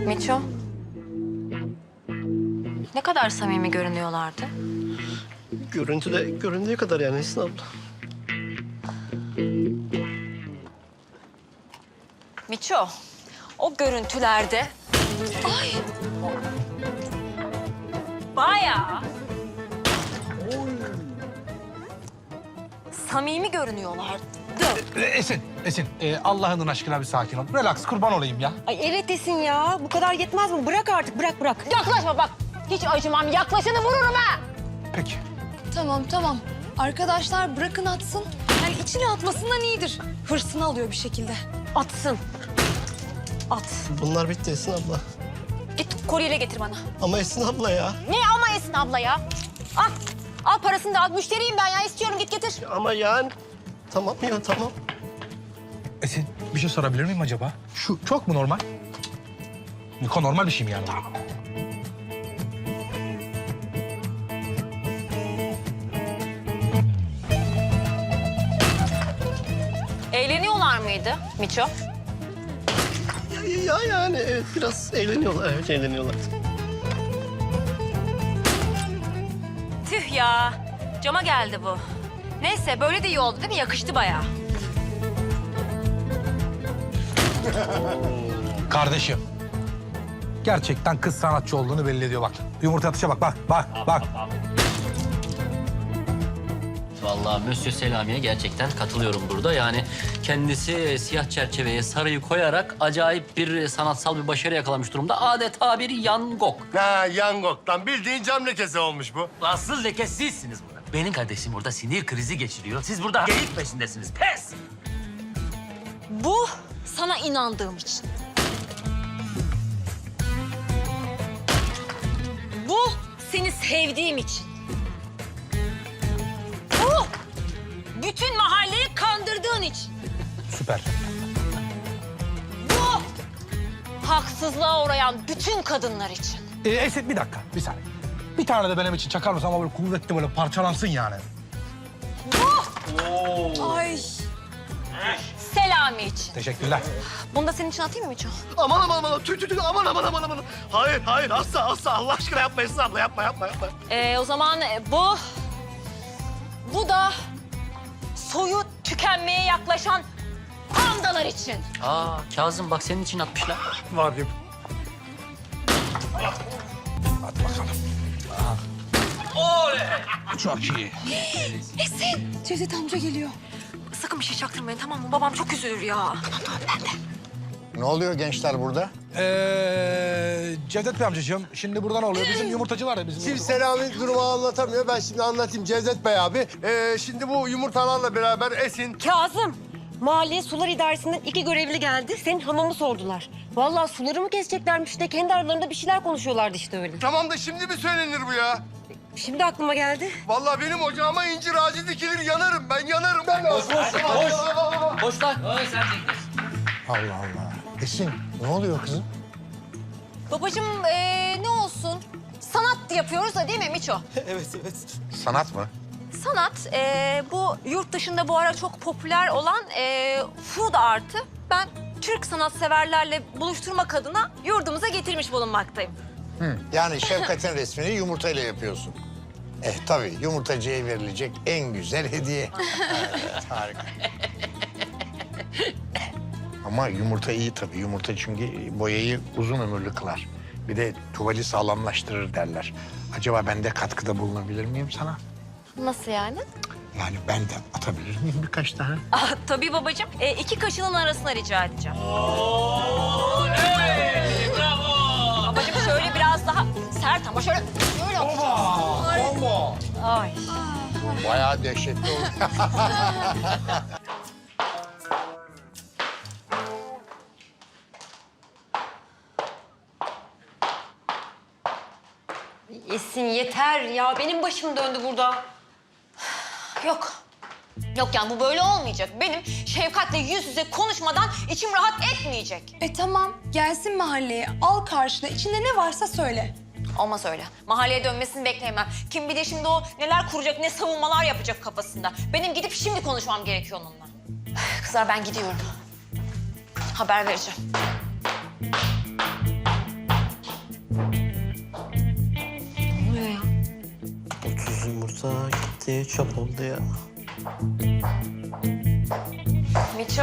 Miço. Ne kadar samimi görünüyorlardı. Göründüğü kadar yani Esin abla. Miço, o görüntülerde... Ay! Bayağı... samimi görünüyorlardı. Esin, Allah'ın aşkına bir sakin ol. Relax, kurban olayım ya. Ay evet Esin ya. Bu kadar yetmez mi? Bırak artık, bırak. Yaklaşma bak. Hiç acımam. Yaklaşanı vururum ha. Peki. Tamam. Arkadaşlar bırakın atsın. Yani içine atmasından iyidir. Hırsını alıyor bir şekilde. Atsın. At. Bunlar bitti Esin abla. Git kolyeyle getir bana. Ama Esin abla ya. Ne ama Esin abla ya? Al. Al parasını da al. Müşteriyim ben ya. İstiyorum git getir. Ama yani... Tamam ya tamam. Esin, bir şey sorabilir miyim acaba? Şu çok mu normal? Niko normal bir şey mi yani? Eğleniyorlar mıydı Miço? Ya yani evet, biraz eğleniyorlar. Evet eğleniyorlar. Tüh ya. Cama geldi bu. Neyse böyle de iyi oldu değil mi? Yakıştı bayağı. Kardeşim. Gerçekten kız sanatçı olduğunu belli ediyor bak. Yumurta atışa bak. Vallahi Monsieur Selami'ye gerçekten katılıyorum burada. Yani kendisi siyah çerçeveye sarıyı koyarak acayip bir sanatsal bir başarı yakalamış durumda. Adeta bir Van Gogh. Ha, Yangok'tan bildiğin cam lekesi olmuş bu. Asıl leke sizsiniz burada. Benim kardeşim burada sinir krizi geçiriyor. Siz burada geyik peşindesiniz. Pes! Bu sana inandığım için. Bu seni sevdiğim için. Bu bütün mahalleyi kandırdığın için. Süper. Bu haksızlığa uğrayan bütün kadınlar için. Esin bir dakika, bir saniye. Bir tane de benim için çakar mısın ama böyle kuvvetli böyle parçalansın yani. Ay. Selami için. Teşekkürler. Bunu da senin için atayım mı Miço? Aman. Tüy. Aman. Hayır. Asla. Allah aşkına yapma Esin abla. Yapma. O zaman bu da soyu tükenmeye yaklaşan pandalar için. Aa Kazım bak senin için atmışlar. Var gibi. Hadi bakalım. Oley! Çok iyi. Cevdet amca geliyor. Sakın bir şey çaktırmayın tamam mı? Babam çok üzülür ya. Ne oluyor gençler burada? Cevdet Bey amcacığım, şimdi burada ne oluyor? Bizim yumurtacı var ya bizim. Şimdi Selami durumu anlatamıyor. Ben şimdi anlatayım Cevdet Bey abi. Şimdi bu yumurtalarla beraber Esin... Kazım. Mahalle Sular İdaresi'nden 2 görevli geldi. Senin hamamı sordular. Vallahi suları mı keseceklermiş de kendi aralarında bir şeyler konuşuyorlardı işte öyle. Tamam da şimdi mi söylenir bu ya? Şimdi aklıma geldi. Vallahi benim ocağıma incir ağacı dikilir yanarım. Ben yanarım. Boş lan. Allah Allah. Esin ne oluyor kızım? Babacığım ne olsun? Sanat yapıyoruz da değil mi Miço? evet. Sanat mı? Sanat bu yurt dışında bu ara çok popüler olan food art'ı ben Türk sanatseverlerle buluşturmak adına yurdumuza getirmiş bulunmaktayım. Yani Şefkat'in resmini yumurtayla yapıyorsun. Tabii yumurtacıya verilecek en güzel hediye. Evet, harika. Ama yumurta iyi tabii. Yumurta çünkü boyayı uzun ömürlü kılar. Bir de tuvali sağlamlaştırır derler. Acaba ben de katkıda bulunabilir miyim sana? Nasıl yani? Yani ben de atabilir miyim birkaç tane? Tabii babacığım. 2 kaşının arasına rica edeceğim. Babacığım şöyle biraz daha sert ama şöyle yapacaksın. Ay. Bayağı dehşetli oldu. Esin yeter ya. Benim başım döndü burada. Yok. Yok yani bu böyle olmayacak. Benim Şefkat'le yüz yüze konuşmadan içim rahat etmeyecek. Tamam. Gelsin mahalleye. Al karşına. İçinde ne varsa söyle. Olmaz öyle. Mahalleye dönmesini bekleyemem. Kim bilir şimdi o neler kuracak, ne savunmalar yapacak kafasında. Benim gidip şimdi konuşmam gerekiyor onunla. Kızlar ben gidiyorum. Haber vereceğim. Nereye çöp oldu ya? Miço.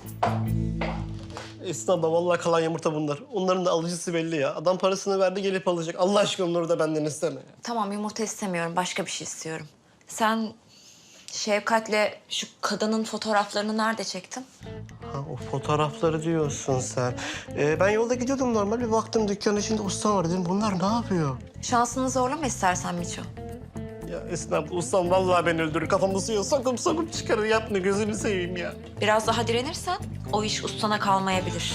Esin abla vallahi kalan yumurta bunlar. Onların da alıcısı belli ya. Adam parasını verdi gelip alacak. Allah aşkına onları da benden isteme ya. Tamam yumurta istemiyorum. Başka bir şey istiyorum. Sen Şevkat'le şu kadının fotoğraflarını nerede çektin? Ha, o fotoğrafları diyorsun sen. Ben yolda gidiyordum normal. Bir baktım dükkanın içinde ustam var dedim. Bunlar ne yapıyor? Şansını zorlama istersen Miço. Ya Esin abla ustam vallahi beni öldürür. Kafamı suya sokup çıkarır. Yapma gözünü seveyim ya. Biraz daha direnirsen o iş ustana kalmayabilir.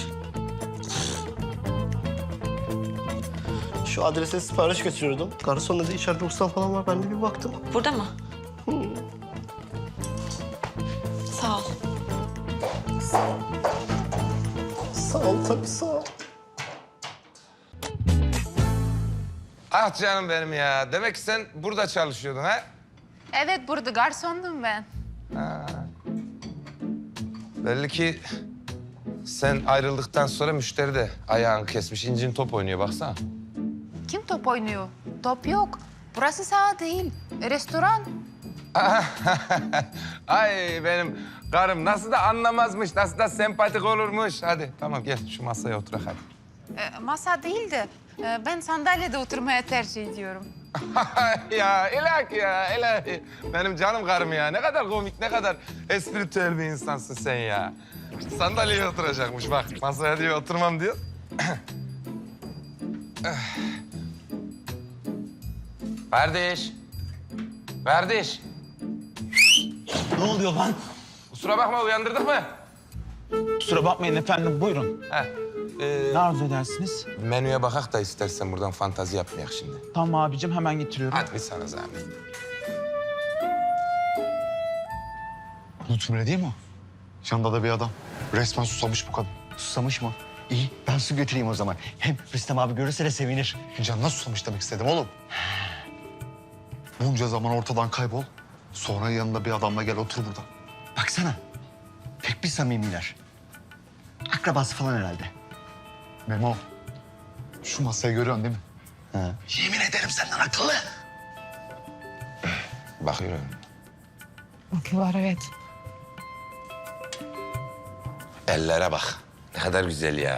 Şu adrese sipariş götürüyordum. Garson dedi içeride ustam falan var. Ben de bir baktım. Burada mı? Sağ ol. Sağ ol tabii sağ ol. Ah canım benim ya. Demek ki sen burada çalışıyordun ha? Evet, burada garsondum ben. Belli ki sen ayrıldıktan sonra müşteri de ayağını kesmiş. İncin top oynuyor baksana. Kim top oynuyor? Top yok. Burası saha değil, restoran. Ay benim karım nasıl da anlamazmış, nasıl da sempatik olurmuş. Hadi tamam gel şu masaya otur hadi. Masa değil de ben sandalyede oturmaya tercih ediyorum. Ya ilahi ya ilahi. Benim canım karım ya. Ne kadar komik, ne kadar espritüel bir insansın sen ya. Sandalyeye oturacakmış bak. Masaya diyor oturmam diyor. Kardeş. Kardeş. Ne oluyor lan? Kusura bakma uyandırdık mı? Kusura bakmayın efendim, buyurun. Heh. Ne arzu edersiniz? Menüye bakak da istersen buradan fantazi yapmayak şimdi. Tamam abicim, hemen getiriyorum. Hadi bir sana zahmet. Lütfü değil mi o? Yanında da bir adam. Resmen susamış bu kadın. Susamış mı? İyi, ben su götüreyim o zaman. Hem Rüstem abi görürse de sevinir. Canına susamış demek istedim oğlum. Bunca zaman ortadan kaybol. Sonra yanında bir adamla gel otur burada. Baksana, pek bir samimiler. Akrabası falan herhalde. Memo, şu masayı görüyorsun değil mi? Ha. Yemin ederim senden akıllı. Bakıyorum. Bakıyorlar, evet. Ellere bak. Ne kadar güzel ya.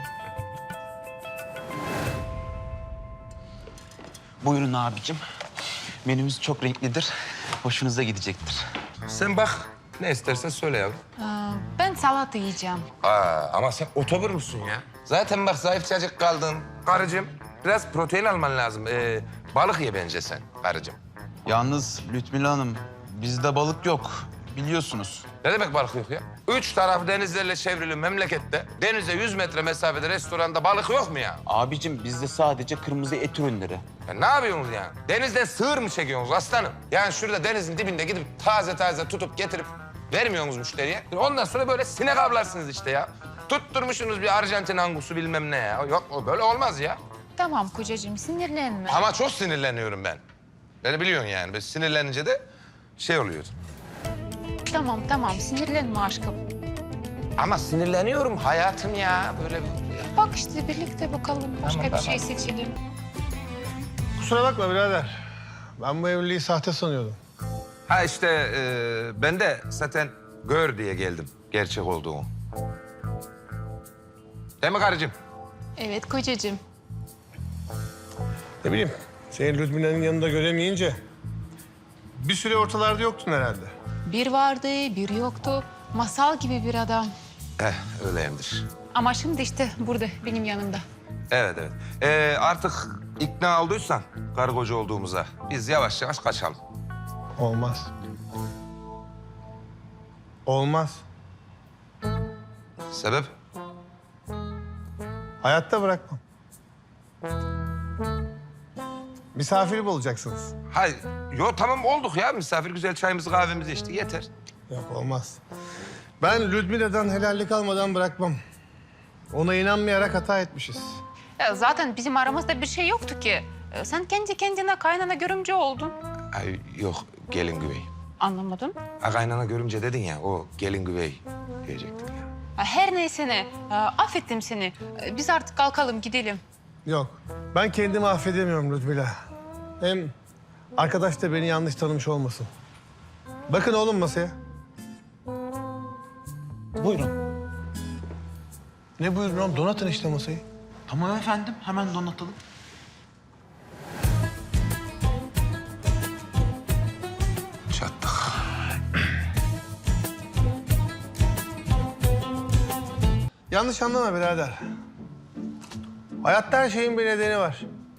Buyurun abicim. Menümüz çok renklidir. Hoşunuza gidecektir. Sen bak. Ne istersen söyle yavrum. Ben salata yiyeceğim. Ama sen otobur musun ya? Zaten bak zayıfçacık kaldın. Karıcığım biraz protein alman lazım. Balık ye bence sen karıcığım. Yalnız Lütmila Hanım, bizde balık yok. Biliyorsunuz. Ne demek balık yok ya? 3 taraf denizlerle çevrili memlekette denize 100 metre mesafede restoranda balık yok mu ya? Abicim bizde sadece kırmızı et ürünleri. Ya ne yapıyorsunuz yani? Denizden sığır mı çekiyorsunuz aslanım? Yani şurada denizin dibinde gidip taze taze tutup getirip vermiyorsunuz müşteriye. Ondan sonra böyle sinek avlarsınız işte ya. Tutturmuşsunuz bir Arjantin angusu bilmem ne ya. Yok o böyle olmaz ya. Tamam kocacığım, sinirlenme. Ama çok sinirleniyorum ben. Beni biliyorsun yani. Ben sinirlenince de şey oluyor. Tamam, sinirlenme aşkım. Ama sinirleniyorum hayatım ya. Böyle Bak işte birlikte bakalım, başka Tamam, bir şey seçelim. Kusura bakma birader. Ben bu evliliği sahte sanıyordum. Ha işte ben de zaten gör diye geldim gerçek olduğunu. Değil mi karıcığım? Evet kocacığım. Ne bileyim, seni Lütfü'nün yanında göremeyince bir süre ortalarda yoktun herhalde. Bir vardı, bir yoktu. Masal gibi bir adam. Öyleyimdir. Ama şimdi işte burada, benim yanımda. Evet. Artık ikna olduysan karı koca olduğumuza biz yavaş yavaş kaçalım. Olmaz. Olmaz. Sebep? Hayatta bırakmam. Misafir olacaksınız. Hayır. Yo tamam olduk ya. Misafir güzel çayımızı kahvemizi içtik yeter. Yok olmaz. Ben Ludmila'dan helallik almadan bırakmam. Ona inanmayarak hata etmişiz. Ya zaten bizim aramızda bir şey yoktu ki. Sen kendi kendine kaynana görümce oldun. Ay yok gelin güvey. Anlamadım. Ha, kaynana görümce dedin ya o gelin güvey diyecektim ya. Her neyse ne, affettim seni. Biz artık kalkalım, gidelim. Yok. Ben kendimi affedemiyorum Ludmila. Hem arkadaş da beni yanlış tanımış olmasın. Bakın oğlum masaya. Buyurun. Ne buyurun oğlum? Donatın işte masayı. Tamam efendim, hemen donatalım. Çattık. Yanlış anlama birader. Hayatta her şeyin bir nedeni var.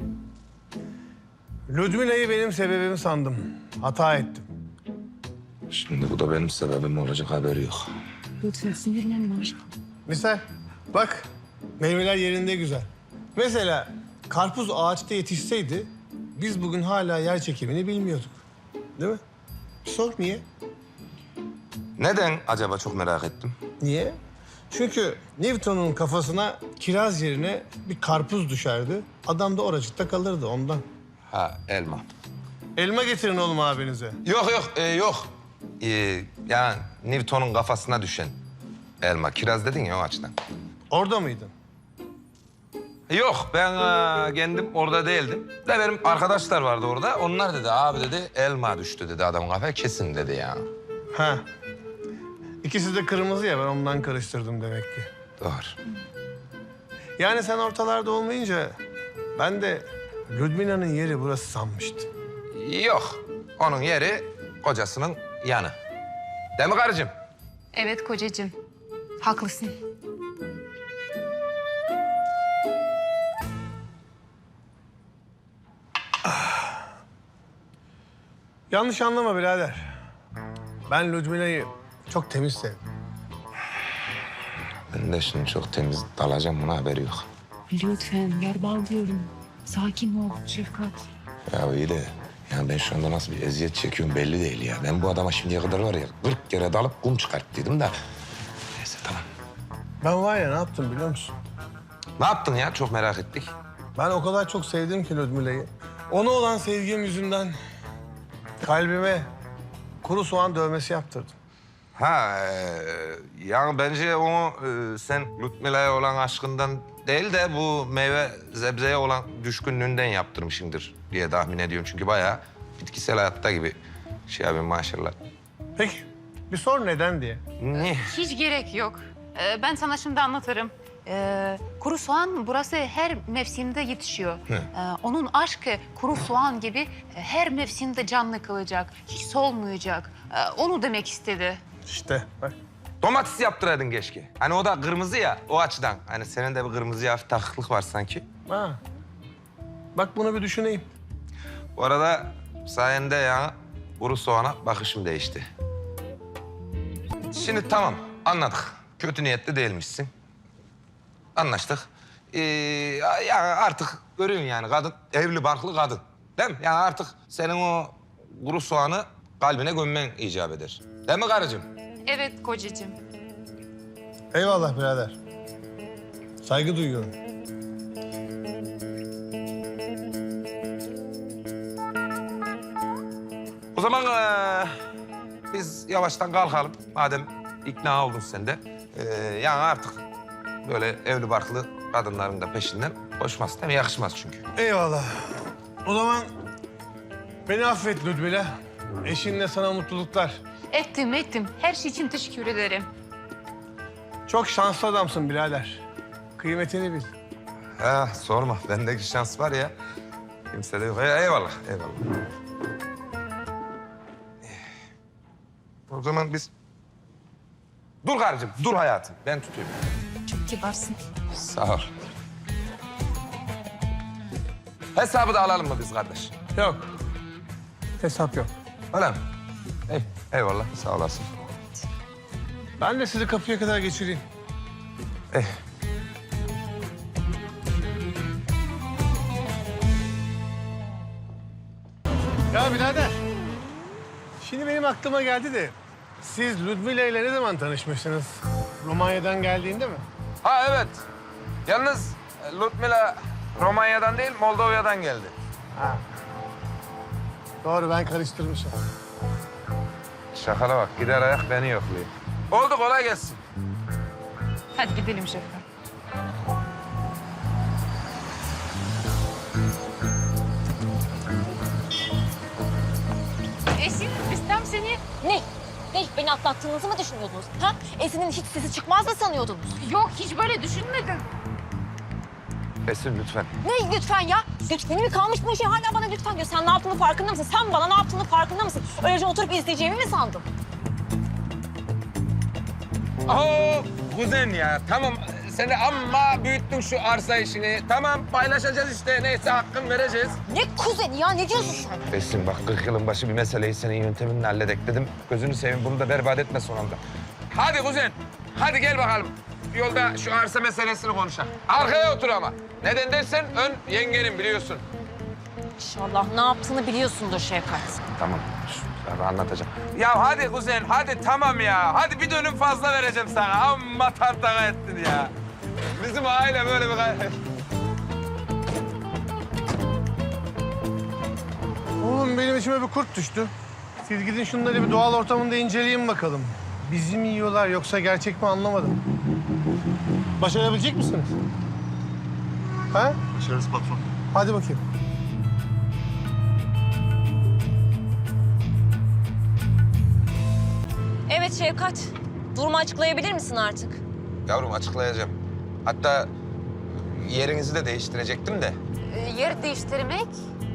Ludmila'yı benim sebebim sandım. Hata ettim. Şimdi bu da benim sebebim olacak, haberi yok. Lütfen sinirlenme. Misal bak meyveler yerinde güzel. Mesela karpuz ağaçta yetişseydi biz bugün hala yer çekimini bilmiyorduk. Değil mi? Sor niye? Neden acaba, çok merak ettim. Niye? Çünkü Newton'un kafasına kiraz yerine bir karpuz düşerdi. Adam da oracıkta kalırdı ondan. Ha, elma. Elma getirin oğlum abinize. Yok yok. Yani Newton'un kafasına düşen elma. Kiraz dedin ya, o açıdan. Orada mıydın? Yok, ben kendim orada değildim. De benim arkadaşlar vardı orada. Onlar dedi, abi dedi, elma düştü dedi adamın kafaya, kesin dedi ya. Ha. İkisi de kırmızı ya, ben ondan karıştırdım demek ki. Doğru. Yani sen ortalarda olmayınca ben de Ludmila'nın yeri burası sanmıştım. Yok, onun yeri kocasının yanı. Değil mi karıcığım? Evet kocacığım. Haklısın. Yanlış anlama birader. Ben Ludmila'yı çok temiz sevdim. Ben de şimdi çok temiz dalacağım, buna haberi yok. Lütfen yer bağlıyorum. Sakin ol Şefkat. Ya iyi de, yani ben şu anda nasıl bir eziyet çekiyorum belli değil ya. Ben bu adama şimdiye kadar var ya 40 kere dalıp kum çıkarttıydım da. Neyse, tamam. Ben var ya ne yaptım biliyor musun? Ne yaptın ya? Çok merak ettik. Ben o kadar çok sevdim ki Ludmila'yı. Ona olan sevgim yüzünden kalbime kuru soğan dövmesi yaptırdım. Ha, yani bence onu sen Ludmila'ya olan aşkından değil de bu meyve sebzeye olan düşkünlüğünden yaptırmışsındır diye tahmin ediyorum. Çünkü bayağı bitkisel hayatta gibi şey abi, maşallah. Peki bir sor neden diye. Ne? Hiç gerek yok. Ben sana şimdi anlatırım. Kuru soğan burası her mevsimde yetişiyor. Onun aşkı kuru soğan gibi her mevsimde canlı kalacak. Hiç solmayacak. Onu demek istedi. İşte bak. Domates yaptıraydın keşke. Hani o da kırmızı ya, o açıdan. Hani senin de bir kırmızıya hafif takıklık var sanki. Ha. Bak bunu bir düşüneyim. Bu arada sayende ya kuru soğana bakışım değişti. Şimdi tamam, anladık. Kötü niyetli değilmişsin. Anlaştık. Yani artık görüyorsun yani, kadın evli barklı kadın. Değil mi? Yani artık senin o kuru soğanı kalbine gömmen icap eder. Değil mi karıcığım? Evet kocacığım. Eyvallah birader. Saygı duyuyorum. O zaman biz yavaştan kalkalım. Madem ikna oldun sen de. Yani artık böyle evli barklı kadınların da peşinden koşmaz değil mi? Yakışmaz çünkü. Eyvallah. O zaman beni affet Ludmila. Eşinle sana mutluluklar. Ettim. Her şey için teşekkür ederim. Çok şanslı adamsın birader. Kıymetini bil. Ha, sorma. Bendeki şans var ya. Kimse de yok. Eyvallah. O zaman biz... Dur karıcığım, dur hayatım. Ben tutuyorum. Çok kibarsın. Sağ ol. Hesabı da alalım mı biz kardeş? Yok. Hesap yok. Öyle mi? Eyvallah, sağ olasın. Ben de sizi kapıya kadar geçireyim. Ya birader. Şimdi benim aklıma geldi de... Siz Ludmila ile ne zaman tanışmışsınız? Romanya'dan geldiğinde mi? Ha evet. Yalnız Ludmila Romanya'dan değil, Moldova'dan geldi. Ha. Doğru, ben karıştırmışım. Şakala bak, gider ayak beni yokluyor. Oldu, kolay gelsin. Hadi gidelim Şefkat. Esin, biz tam seni Ne? Ne? Beni atlattığınızı mı düşünüyordunuz? Ha? Esin'in hiç sesi çıkmaz mı sanıyordunuz? Yok, hiç böyle düşünmedim. Esin lütfen. Ne lütfen ya? Lütfeni mi kalmış bu işe? Hala bana lütfen diyor. Sen ne yaptığını farkında mısın? Sen bana ne yaptığını farkında mısın? Öylece oturup izleyeceğimi mi sandın? Oo, kuzen ya tamam. Sen de amma büyüttün şu arsa işini. Tamam paylaşacağız işte. Neyse hakkını vereceğiz. Ne kuzeni ya? Ne diyorsun sen? Esin bak 40 yılın başı bir meseleyi senin yönteminle halledek dedim. Gözünü seveyim bunu da berbat etme son anda. Hadi kuzen. Hadi gel bakalım. Yolda şu arsa meselesini konuşalım. Arkaya otur ama. Neden dersen ön yengenin biliyorsun. İnşallah ne yaptığını biliyorsundur Şevkat. Tamam. Ben anlatacağım. Ya hadi kuzen, hadi tamam ya. Hadi bir dönüm fazla vereceğim sana. Amma tartana ettin ya. Bizim aile böyle bir... Oğlum benim içime bir kurt düştü. Siz gidin şunları bir doğal ortamında inceleyin bakalım. Bizi mi yiyorlar yoksa gerçek mi anlamadım. Başarabilecek misiniz? Ha? Başarırız patron. Hadi bakayım. Evet Şevkat. Durumu açıklayabilir misin artık? Yavrum açıklayacağım. Hatta yerinizi de değiştirecektim de. Yer değiştirmek?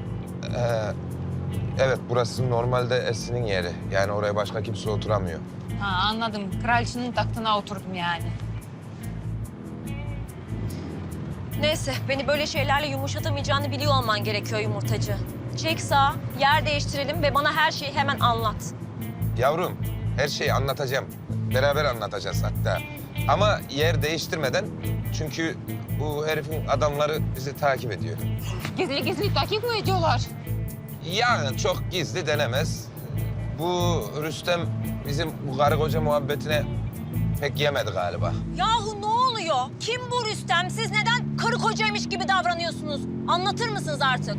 Evet burası normalde Esin'in yeri. Yani oraya başka kimse oturamıyor. Ha, anladım. Kraliçenin tahtına oturdum yani. Neyse, beni böyle şeylerle yumuşatamayacağını biliyor olman gerekiyor yumurtacı. Çek sağa, yer değiştirelim ve bana her şeyi hemen anlat. Yavrum her şeyi anlatacağım. Beraber anlatacağız hatta. Ama yer değiştirmeden çünkü bu herifin adamları bizi takip ediyor. Gizli gizli takip mi ediyorlar? Yani çok gizli denemez. Bu Rüstem bizim bu karı koca muhabbetine pek yemedi galiba. Yahu ne oluyor? Kim bu Rüstem? Siz neden karı kocaymış gibi davranıyorsunuz? Anlatır mısınız artık?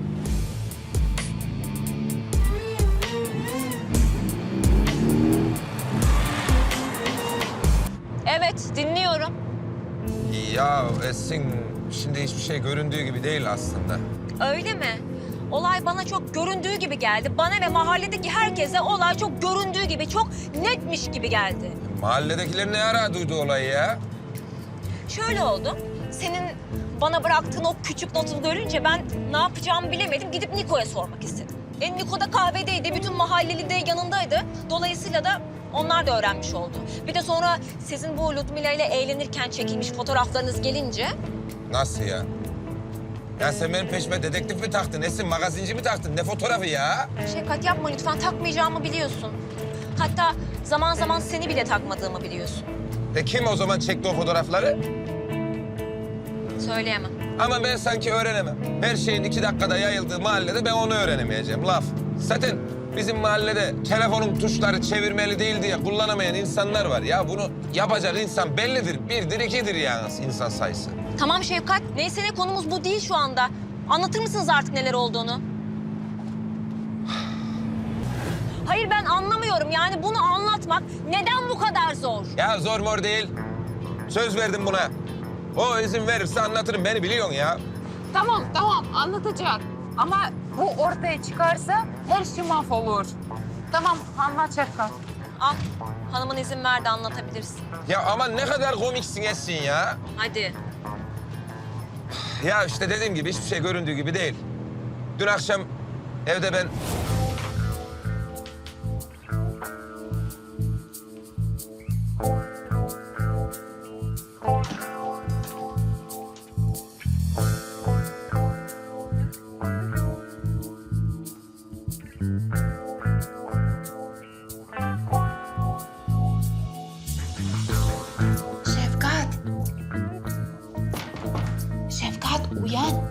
Evet, dinliyorum. Ya Esin şimdi hiçbir şey göründüğü gibi değil aslında. Öyle mi? Olay bana çok göründüğü gibi geldi. Bana ve mahalledeki herkese olay çok göründüğü gibi, çok netmiş gibi geldi. Mahalledekiler ne ara duydu olayı ya? Şöyle oldu. Senin bana bıraktığın o küçük notu görünce ben ne yapacağımı bilemedim. Gidip Niko'ya sormak istedim. Niko da kahvedeydi. Bütün mahalleli de yanındaydı. Dolayısıyla da onlar da öğrenmiş oldu. Bir de sonra sizin bu Ludmila ile eğlenirken çekilmiş fotoğraflarınız gelince... Nasıl ya? Ya sen benim peşime dedektif mi taktın? Esin magazinci mi taktın? Ne fotoğrafı ya? Şefkat yapma lütfen. Takmayacağımı biliyorsun. Hatta zaman zaman seni bile takmadığımı biliyorsun. Kim o zaman çekti o fotoğrafları? Söyleyemem. Ama ben sanki öğrenemem. Her şeyin 2 dakikada yayıldığı mahallede ben onu öğrenemeyeceğim. Laf. Zaten bizim mahallede telefonun tuşları çevirmeli değil diye kullanamayan insanlar var. Ya bunu yapacak insan bellidir. 1'dir 2'dir yani insan sayısı. Tamam Şefkat. Neyse ne konumuz bu değil şu anda. Anlatır mısınız artık neler olduğunu? Hayır ben anlamıyorum. Yani bunu anlatmak neden bu kadar zor? Ya zor mor değil. Söz verdim buna. O izin verirse anlatırım. Beni biliyorsun ya. Tamam, tamam. Anlatacak. Ama bu ortaya çıkarsa her şey mahvolur. Tamam, anlat Şefkat. Al. Hanımın izin verdi anlatabilirsin. Ya aman ne kadar komiksin Esin ya. Hadi. Ya işte dediğim gibi hiçbir şey göründüğü gibi değil. Dün akşam evde ben... Şefkat. Şefkat uyan.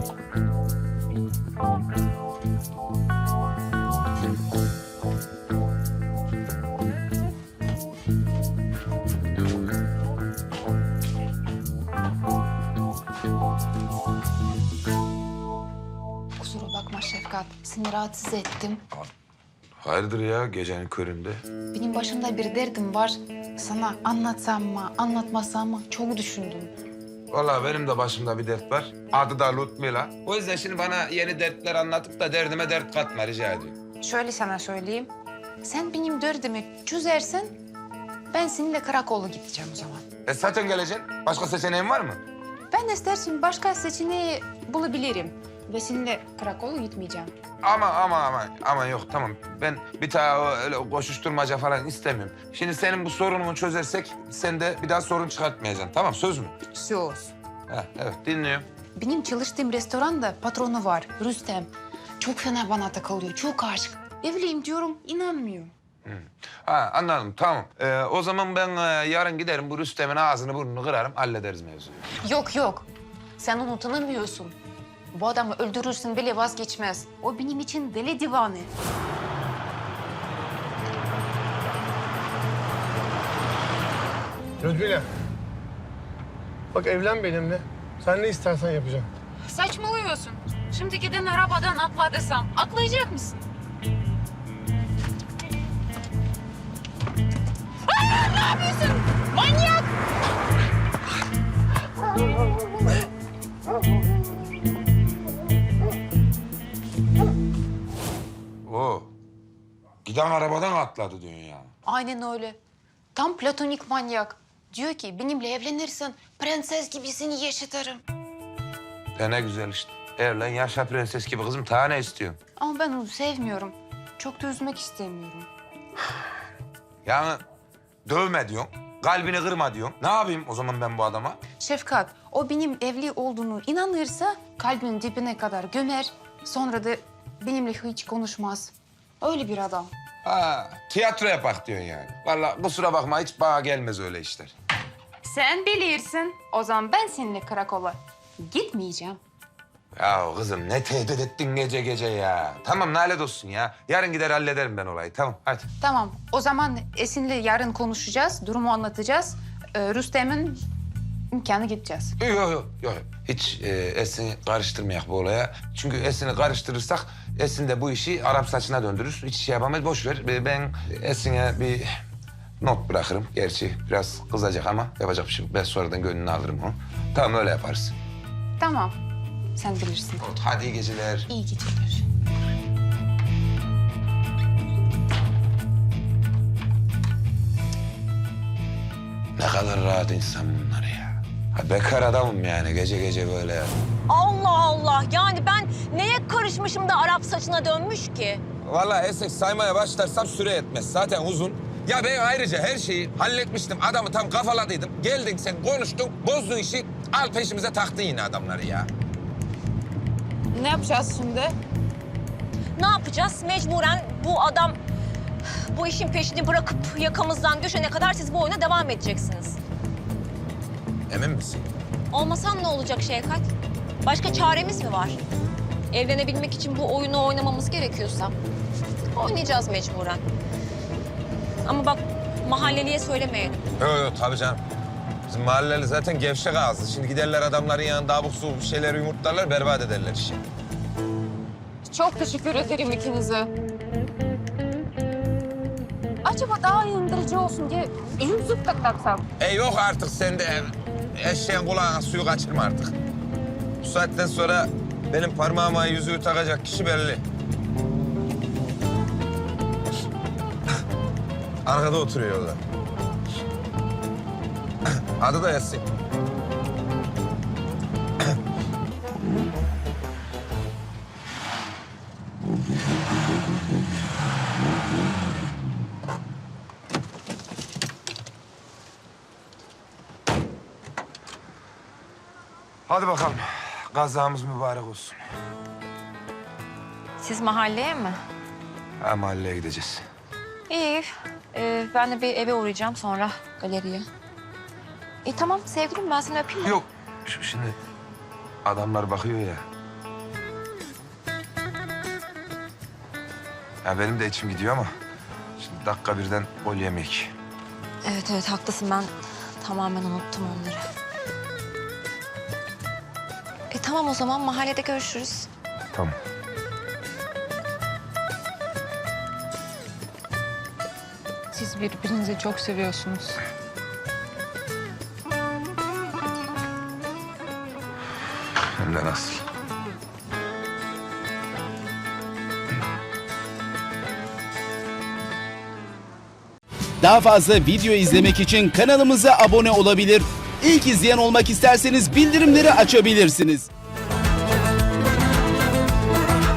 Kusura bakma Şefkat. Seni rahatsız ettim. Hayırdır ya gecenin köründe? Benim başımda bir derdim var. Sana anlatsam mı, anlatmasam mı çok düşündüm. Vallahi benim de başımda bir dert var. Adı da Ludmila. O yüzden şimdi bana yeni dertler anlatıp da derdime dert katma rica ediyorum. Şöyle sana söyleyeyim. Sen benim derdimi çözersen ben seninle karakola gideceğim o zaman. Zaten geleceksin. Başka seçeneğin var mı? Ben istersen başka seçeneği bulabilirim. Ve seninle karakola gitmeyeceğim. Ama yok tamam. Ben bir daha öyle koşuşturmaca falan istemiyorum. Şimdi senin bu sorununu çözersek sen de bir daha sorun çıkartmayacaksın. Tamam söz mü? Söz. Ha, evet dinliyorum. Benim çalıştığım restoranda patronu var, Rüstem. Çok fena bana takılıyor, çok aşık. Evliyim diyorum, inanmıyor. Ha anladım tamam. O zaman ben yarın giderim bu Rüstem'in ağzını burnunu kırarım hallederiz mevzuyu. Yok. Sen onu tanımıyorsun. Bu adamı öldürürsün bile vazgeçmez. O benim için deli divanı. Ludmila. Bak evlen benimle. Sen ne istersen yapacağım. Saçmalıyorsun. Şimdi giden arabadan atla desem atlayacak mısın? Aa, ne yapıyorsun? Manyak! Oo. Giden arabadan atladı diyorsun ya. Aynen öyle. Tam platonik manyak. Diyor ki benimle evlenirsen prenses gibi seni yaşatırım. Ne güzel işte. Evlen yaşa prenses gibi kızım. Daha ne istiyorsun? Ama ben onu sevmiyorum. Çok da üzmek istemiyorum. Yani dövme diyorsun. Kalbini kırma diyorsun. Ne yapayım o zaman ben bu adama? Şefkat, o benim evli olduğunu inanırsa kalbinin dibine kadar gömer. Sonra da benimle hiç konuşmaz. Öyle bir adam. Ha, tiyatro yapak diyorsun yani. Vallahi kusura bakma hiç bana gelmez öyle işler. Sen bilirsin. O zaman ben seninle karakola gitmeyeceğim. Ya kızım ne tehdit ettin gece gece ya. Tamam lanet olsun ya. Yarın gider hallederim ben olayı. Tamam hadi. Tamam, o zaman Esin'le yarın konuşacağız, durumu anlatacağız. Rüstem'in imkanı gideceğiz. Yok. Hiç Esin'i karıştırmayak bu olaya. Çünkü Esin'i karıştırırsak Esin de bu işi Arap saçına döndürür. Hiç şey yapamayız. Boş ver. Ben Esin'e bir not bırakırım. Gerçi biraz kızacak ama yapacak bir şey yok. Ben sonradan gönlünü alırım onu. Tamam öyle yaparız. Tamam, sen bilirsin. Hadi iyi geceler. İyi geceler. Ne kadar rahat insan bunlar ya. Ha, bekar adamım yani gece gece böyle. Allah Allah. Yani ben neye karışmışım da Arap saçına dönmüş ki? Vallahi Esek saymaya başlarsam süre yetmez. Zaten uzun. Ya ben ayrıca her şeyi halletmiştim. Adamı tam kafaladıydım. Geldin sen konuştun, bozdun işi. Al peşimize taktın yine adamları ya. Ne yapacağız şimdi? Ne yapacağız? Mecburen bu adam bu işin peşini bırakıp yakamızdan düşene kadar siz bu oyuna devam edeceksiniz. Emin misin? Olmasam ne olacak Şevkat? Başka çaremiz mi var? Evlenebilmek için bu oyunu oynamamız gerekiyorsa oynayacağız mecburen. Ama bak mahalleliye söylemeyelim. Yok tabii canım. Bizim mahalleli zaten gevşek ağızlı. Şimdi giderler adamların yanında abuk subuk bir şeyler yumurtlarlar, berbat ederler işi. Çok teşekkür ederim ikinize. Acaba daha indirici olsun diye yüzük taksam. Yok artık sen de eşeğin kulağına suyu kaçırma artık. Bu saatten sonra benim parmağıma yüzüğü takacak kişi belli. Arkada oturuyorlar. Adı da Yasin. Hadi bakalım. Kazamız mübarek olsun. Siz mahalleye mi? Ha, mahalleye gideceğiz. İyi. Ben de bir eve uğrayacağım sonra galeriye. Tamam sevgilim ben seni öpeyim mi? Yok. Şimdi adamlar bakıyor ya. Ya benim de içim gidiyor ama şimdi dakika birden gol yemek. Evet haklısın ben tamamen unuttum onları. Tamam o zaman mahallede görüşürüz. Tamam. Siz birbirinizi çok seviyorsunuz. Hem de nasıl? Daha fazla video izlemek için kanalımıza abone olabilir. İlk izleyen olmak isterseniz bildirimleri açabilirsiniz.